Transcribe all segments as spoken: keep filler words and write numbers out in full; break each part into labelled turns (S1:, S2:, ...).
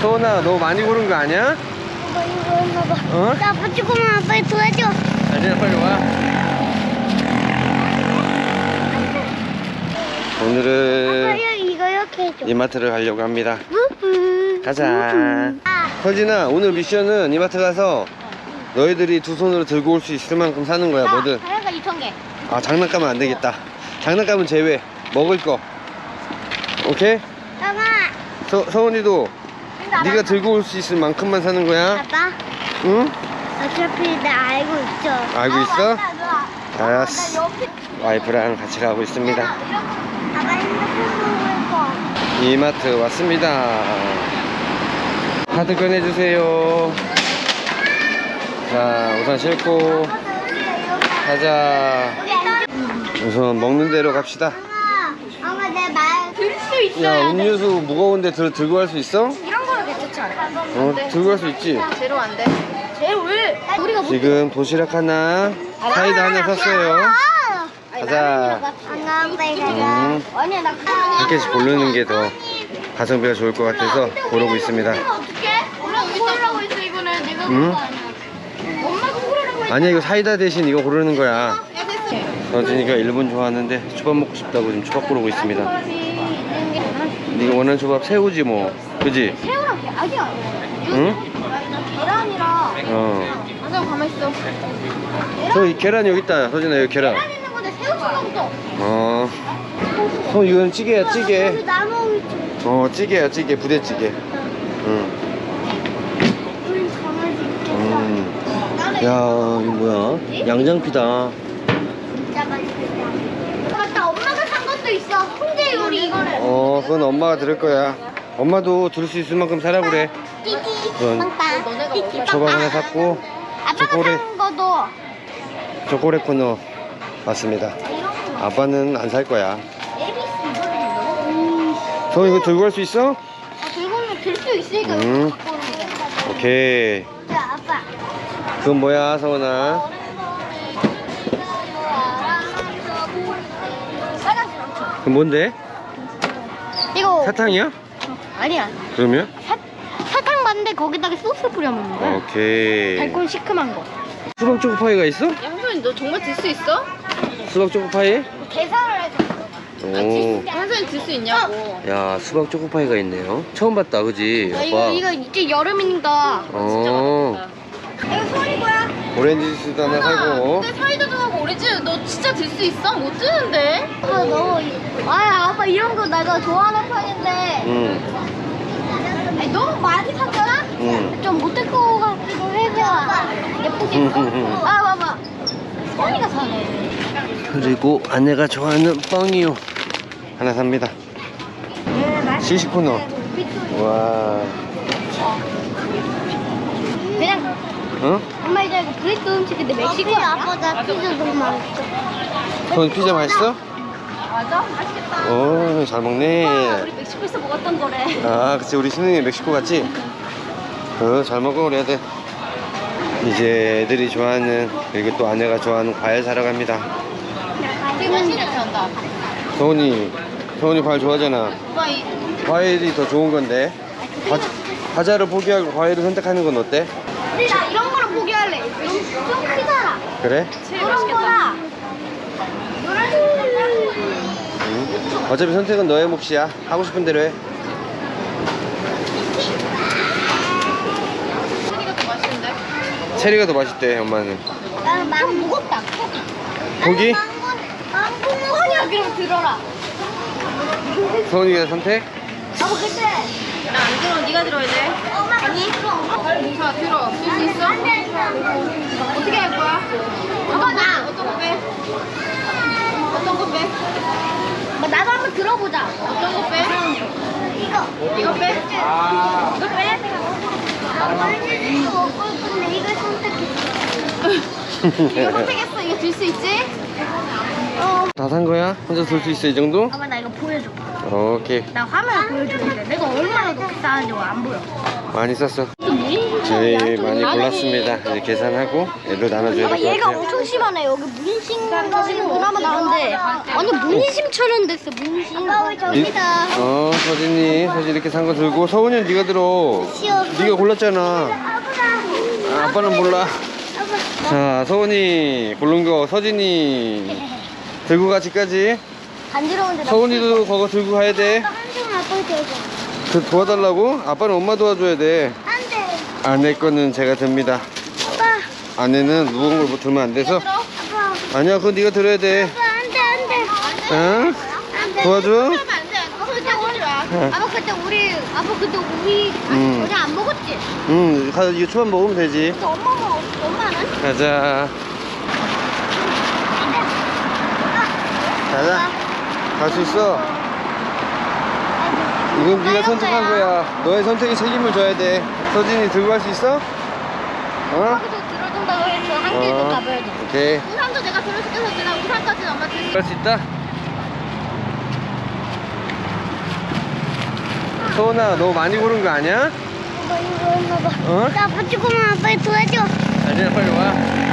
S1: 소은아, 너 많이 고른 거 아니야?
S2: 아빠 이거 엄마 봐.
S1: 어?
S2: 나 아빠 조금만 빨리 도와줘.
S1: 아니야, 빨리 와. 오늘은
S2: 아빠 이거 이렇게 해줘.
S1: 이마트를 가려고 합니다.
S2: 우후.
S1: 가자.
S2: 아,
S1: 서진아, 오늘 미션은 이마트 가서 너희들이 두 손으로 들고 올 수 있을 만큼 사는 거야. 뭐든.
S2: 다이어가 이천 개.
S1: 아, 장난감은 안 되겠다. 장난감은 제외. 먹을 거. 오케이?
S2: 엄마.
S1: 서, 서은이도 네가 들고 올 수 있을 만큼만 사는 거야.
S2: 아빠.
S1: 응?
S2: 어차피 나 알고 있어.
S1: 알고 있어?
S2: 맞다, 너.
S1: 알았어.
S2: 나 옆에.
S1: 와이프랑 같이 가고 있습니다.
S2: 아빠 핸드폰 보고 있고.
S1: 이마트 왔습니다. 카드 꺼내주세요. 자, 우선 싣고 가자. 우선 먹는 대로 갑시다.
S2: 엄마, 엄마 내 말 들 수 있어.
S1: 야, 음료수 무거운데 들, 들고 갈 수 있어?
S2: 이런 거는 괜찮지 않아?
S1: 어, 들고 갈 수 있지?
S2: 제로 안 돼. 제로 왜? 우리가 못.
S1: 지금 도시락 하나, 사이다 하나 샀어요. 가자.
S2: 안녕, 빨리 가자.
S1: 음,
S2: 아니야, 나
S1: 한 개씩 고르는 게 더 가성비가 좋을 것 같아서 고르고 있습니다.
S2: 어떡해? 엄마 고르라고 했어, 이거는. 내가
S1: 응?
S2: 그거 아니야. 엄마가 고르라고 했어.
S1: 아니야, 이거 사이다 대신 이거 고르는 거야.
S2: 야, 됐어.
S1: 서진이가 일본 좋아하는데 초밥 먹고 싶다고 지금 초밥 고르고 있습니다. 네가 원하는 초밥 새우지 뭐, 그지?
S2: 새우랑 게 아니야.
S1: 응?
S2: 계란이랑.
S1: 어.
S2: 완전 가만 있어.
S1: 저 이 계란 여기 있다. 서진아, 여기 계란.
S2: 계란 있는 건데 새우 초밥도.
S1: 어. 서 이건 찌개야, 찌개.
S2: 우리 나무 있지.
S1: 어, 찌개야, 찌개, 부대찌개. 응.
S2: 우리 강아지 있겠다.
S1: 음. 야, 이거 뭐야? 양장피다.
S2: 진짜 맛있겠다. 맞다, 엄마가 산 것도 있어. 홍제 요리 이거를.
S1: 어, 그건 엄마가 들을 거야. 엄마도 들 수 있을 만큼 사라 그래.
S2: 띠띠
S1: 그건
S2: 빵빵. 띠띠
S1: 초밥
S2: 빵빵.
S1: 하나 샀고,
S2: 아빠가
S1: 초콜릿.
S2: 산 거도.
S1: 초콜릿 코너 왔습니다. 아빠는 안 살 거야.
S2: 음.
S1: 저 이거 들고 갈 수 있어?
S2: 아, 들고는 들 수 있으니까
S1: 음.
S2: 갖고 오는 거야.
S1: 오케이.
S2: 자, 아빠.
S1: 그건 뭐야, 서은아?
S2: 빨간색 엄청.
S1: 그건 뭔데?
S2: 이거
S1: 사탕이야?
S2: 아니야.
S1: 그러면?
S2: 사, 사탕 봤는데 거기다가 소스 뿌려 먹는 거야.
S1: 오케이.
S2: 달콤 시큼한 거.
S1: 수박 초코파이가 있어?
S3: 양손이 너 정말 들 수 있어?
S1: 수박 초코파이?
S2: 계산을 해서.
S1: 오.
S3: 양손이 들 수 있냐고.
S1: 야, 수박 초코파이가 있네요. 처음 봤다, 그지?
S2: 아, 이거
S1: 아빠.
S2: 이거 이제 여름이니까.
S1: 어.
S2: 이거 소리 거야?
S1: 오렌지 주스도 하나 사고.
S3: 근데 사이다도 하고 오리지 너 진짜 들 수 있어? 못 드는데?
S2: 아 너무. 아 아빠 이런 거 내가 좋아하는 편인데.
S1: 응.
S2: 아니, 너무 많이 샀잖아?
S1: 응.
S2: 좀 못할 것 같기도 해서 예쁘게 아 봐봐 소니가 사네.
S1: 그리고 아내가 좋아하는 뻥이요. 하나 삽니다. 시식 코너. 와.
S2: 그냥
S1: 어?
S2: 엄마 이제 이거 브레이크 음식인데 멕시코 아니야? 아빠 나 피자 너무 맛있어.
S1: 선 피자 맛있어?
S3: 맞아? 맛있겠다.
S1: 오, 잘 먹네.
S3: 우리 멕시코에서 먹었던 거래.
S1: 아, 그치. 우리 신흥이 멕시코 갔지? 어, 잘 먹어, 우리 애들. 이제 애들이 좋아하는, 그리고 또 아내가 좋아하는 과일 사러 갑니다.
S3: 되게 맛있는 편다.
S1: 서훈이, 서훈이 과일 좋아하잖아.
S3: 오빠 이
S1: 과일이 더 좋은 건데. 과, 과자를 포기하고 과일을 선택하는 건 어때?
S2: 근데 나 이런 거를 포기할래. 좀, 좀 크잖아.
S1: 그래?
S3: 제일
S2: 이런
S3: 맛있겠다.
S2: 거라.
S1: 응. 어차피 선택은 너의 몫이야. 하고 싶은 대로 해.
S3: 소니가 더 맛있는데?
S1: 체리가 더 맛있대, 엄마는.
S2: 나는 망고. 좀 무겁다.
S1: 고기?
S2: 망고 아니야. 그럼 들어라.
S1: 서훈이가 선택?
S2: 아빠 그때.
S3: 나 안 들어. 네가 들어야 돼.
S2: 아니.
S3: 자 들어. 들 수 있어? 어떻게 할 거야?
S2: 아빠 나.
S3: 어떤 거 빼? 어떤 거 빼?
S2: 뭐 나도 한번 들어보자.
S3: 어떤 거 빼?
S2: 이거.
S3: 이거 빼? 이거 빼?
S2: 아빠는 이거 먹을 건데 이걸 선택했어.
S3: 이거 선택했어. 이거 들 수 있지?
S2: 어.
S1: 다 산 거야? 혼자 들 수 있어 이 정도?
S2: 아빠 나 이거 보여줘.
S1: 오케이.
S2: 나 화면 보여주는데 내가 얼마나 높게 쌓았는지 안 보여.
S1: 많이 쌌어. 저희 많이 골랐습니다. 이제 계산하고 애들 나눠줘야
S2: 아빠
S1: 될 것
S2: 얘가
S1: 같아요.
S2: 엄청 심하네. 여기 문신 가지고 그나마 나는데 아니 문심처럼 됐어 문심. 아빠 왜 저기다.
S1: 어, 서진이, 서진 이렇게 산 거 들고 서훈이는 네가 들어. 네가 골랐잖아. 아, 아빠는 몰라. 자, 서훈이 고른 거 서진이 들고 가 집까지.
S2: 간지러운데 나.
S1: 서훈이도 그거 들고 가야 돼.
S2: 한숨 아빠 대줘.
S1: 그 도와달라고? 아빠는 엄마 도와줘야 돼.
S2: 안 돼.
S1: 아내 거는 제가 듭니다.
S2: 아빠.
S1: 아내는 무거운 걸 못 들면 안 돼서.
S2: 아빠.
S1: 아니야, 그건 네가 들어야 돼.
S2: 아빠 안돼 안돼.
S1: 응?
S2: 안돼.
S1: 도와줘?
S2: 안돼. 아빠 그때 우리 아빠 그때 우리 아빠 그때 우리
S1: 음.
S2: 어제 안 먹었지?
S1: 응, 가서 이거 초밥 먹으면 되지.
S2: 근데 엄마 먹 엄마는?
S1: 가자. 가자. 갈 수 있어. 이건 네가 선택한 거야. 너의 선택에 책임을 져야 돼. 서진이 들고 갈 수 있어? 어?
S2: 거기서 들어준다고 해서 한 길도
S1: 어.
S2: 가봐야 돼.
S1: 오케이.
S2: 우산도 내가 들어줄게 서진아. 우산까지는 엄마 들고.
S1: 갈 수 있다? 소은아, 너 많이 고른 거 아니야?
S2: 아빠 이거 엄마 봐.
S1: 어?
S2: 나 아빠 조금만 아빠 도와줘.
S1: 아니야, 빨리 와.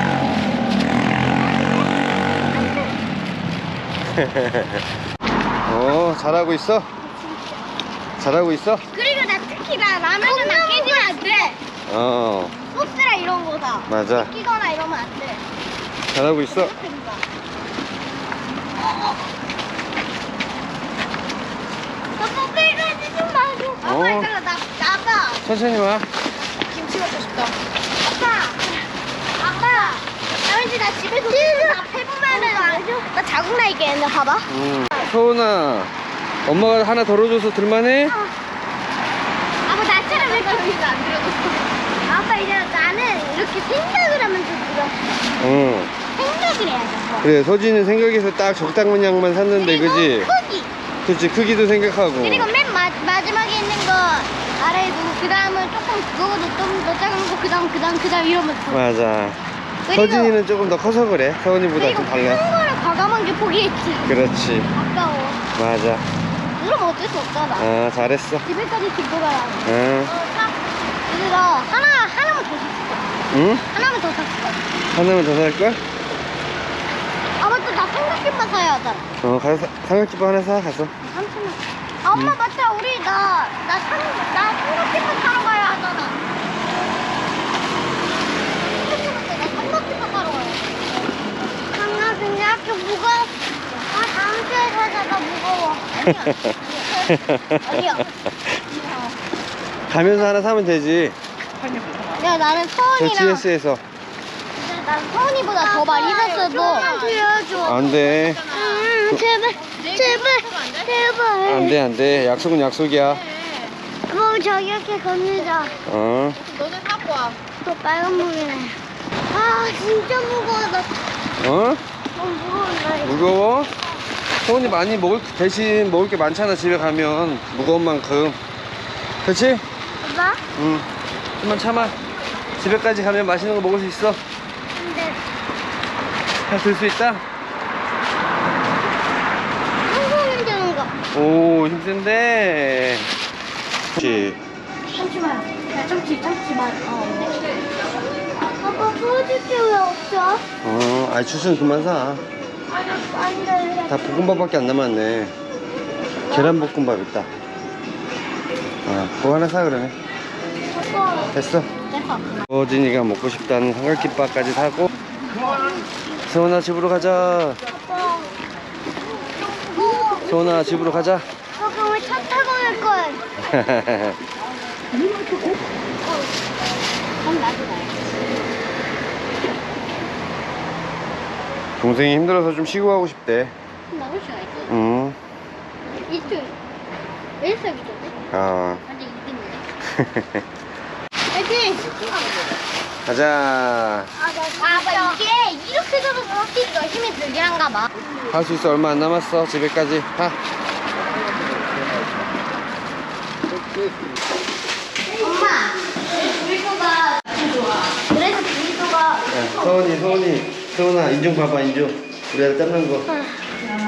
S1: 어, 잘하고 있어? 잘하고 있어?
S2: 그리고 나 특히 나 라면은 나 깨지면 안 돼.
S1: 어,
S2: 소스랑 이런 거다.
S1: 맞아.
S2: 끼거나 이러면 안 돼.
S1: 잘하고 있어.
S2: 아빠 빨간지 좀 봐줘. 아빠
S1: 어.
S2: 이따가 나 나가.
S1: 천천히 와.
S3: 김치 먹고 싶다.
S2: 아빠. 아빠. 나 왠지 나 집에서 다 해보면은 나, 나 자국 나 있겠는데 봐봐.
S1: 음. 서은아, 엄마가 하나 덜어줘서 들만해?
S2: 아빠 나처럼 왜 이렇게 안 들어줬어? 아빠 이제 나는 이렇게 생각을 하면서 들어.
S1: 응.
S2: 생각을 해야지. 아빠.
S1: 그래, 서진은 생각해서 딱 적당한 양만 샀는데,
S2: 그리고
S1: 그지?
S2: 크기.
S1: 그치, 크기도 생각하고.
S2: 그리고 맨 마, 마지막에 있는 거 아래에 두고 그 다음은 조금 그거보다 좀 더 작은 거 그 다음 그 다음 그 다음 이러면서.
S1: 맞아.
S2: 그리고-
S1: 서진이는 조금 더 커서 그래. 서은이보다
S2: 그리고
S1: 좀
S2: 큰
S1: 달라.
S2: 거를 과감한 게 포기했지.
S1: 그렇지.
S2: 아까워.
S1: 맞아.
S2: 그럼 어쩔 수 없잖아.
S1: 아, 잘했어.
S2: 집에까지 들고 가야 돼.
S1: 응.
S2: 그래서 하나 하나만 더 샀어.
S1: 응?
S2: 하나만 더 샀어.
S1: 하나만 더 살걸?
S2: 아 맞다 나 삼각김만 사야 하잖아.
S1: 어, 가서 사- 삼각김밥 하나 사, 가서.
S2: 삼천원. 아 엄마 맞다 우리 나나삼나 삼각김만 사러 가야 하잖아. 나 삼각김만 사러 가야 돼. 강아 근데 이렇게 무거워. 아 다음 주에 사자 나 무거워. 아니야. 아니야.
S1: 가면서 하나 사면 되지.
S2: 야 나는
S1: 저
S2: 서원이랑
S1: 지에스에서.
S2: 난 서원이보다 더 많이 샀어도
S1: 안 돼.
S2: 음, 제발 제발 제발
S1: 안 돼, 안 돼. 약속은 약속이야.
S2: 뭐 저기 이렇게 건너자.
S1: 어.
S3: 너네 사고 와.
S2: 또 빨간 물이네. 아 진짜 무거워. 나
S1: 어?
S2: 너무 무거워. 나 이거.
S1: 무거워? 서훈이 많이 먹을, 대신 먹을 게 많잖아, 집에 가면. 무거운 만큼. 그치?
S2: 봐봐.
S1: 응. 좀만 참아. 집에까지 가면 맛있는 거 먹을 수 있어.
S2: 근데
S1: 잘 들 수 있다?
S2: 항상 힘드는 거.
S1: 오, 힘든데. 그치.
S2: 참치마요. 야 참치 참치마요. 어. 아빠 소주게 왜 없어?
S1: 어, 아이, 주스는 그만 사.
S2: 안 돼.
S1: 다 볶음밥밖에 안 남았네. 계란볶음밥 있다. 아, 그거 하나 사, 그러네.
S2: 아빠.
S1: 됐어.
S2: 됐어.
S1: 서진이가 먹고 싶다는 삼각김밥까지 사고. 서훈아, 집으로 가자.
S2: 아빠. 무거워.
S1: 서훈아, 집으로 가자.
S2: 아빠 왜 차 타고 갈 걸? 그럼 나도 가야지.
S1: 동생이 힘들어서 좀 쉬고 가고 싶대.
S2: 나올 수가 있어.
S1: 응.
S2: 이쪽. 일석이조인데?
S1: 아.
S2: 완전 이등이네. 파이팅!
S1: 가자.
S2: 아, 아빠 이게 이렇게 잡아서 확실히 더 힘이 들게 한가 봐.
S1: 할 수 있어. 얼마 안 남았어. 집에까지. 가.
S2: 엄마, 불소가 그래서 불소가
S1: 야, 서훈이, 서훈이. 서훈아, 인중 봐봐, 인중. 우리 아들 땀난 거.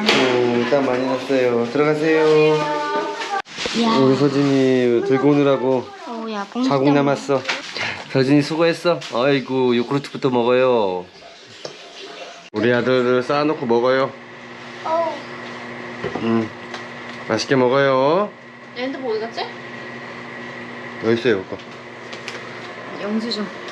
S1: 오, 땀 많이 났어요. 들어가세요. 우리 서진이 들고 오느라고
S2: 어, 야,
S1: 자국 남았어. 자, 서진이 수고했어. 아이고, 요구르트부터 먹어요. 우리 아들을 쌓아놓고 먹어요.
S2: 어우.
S1: 음, 맛있게 먹어요.
S3: 얘 핸드폰 어디 갔지?
S1: 여기 있어요, 오빠.
S3: 영지 좀.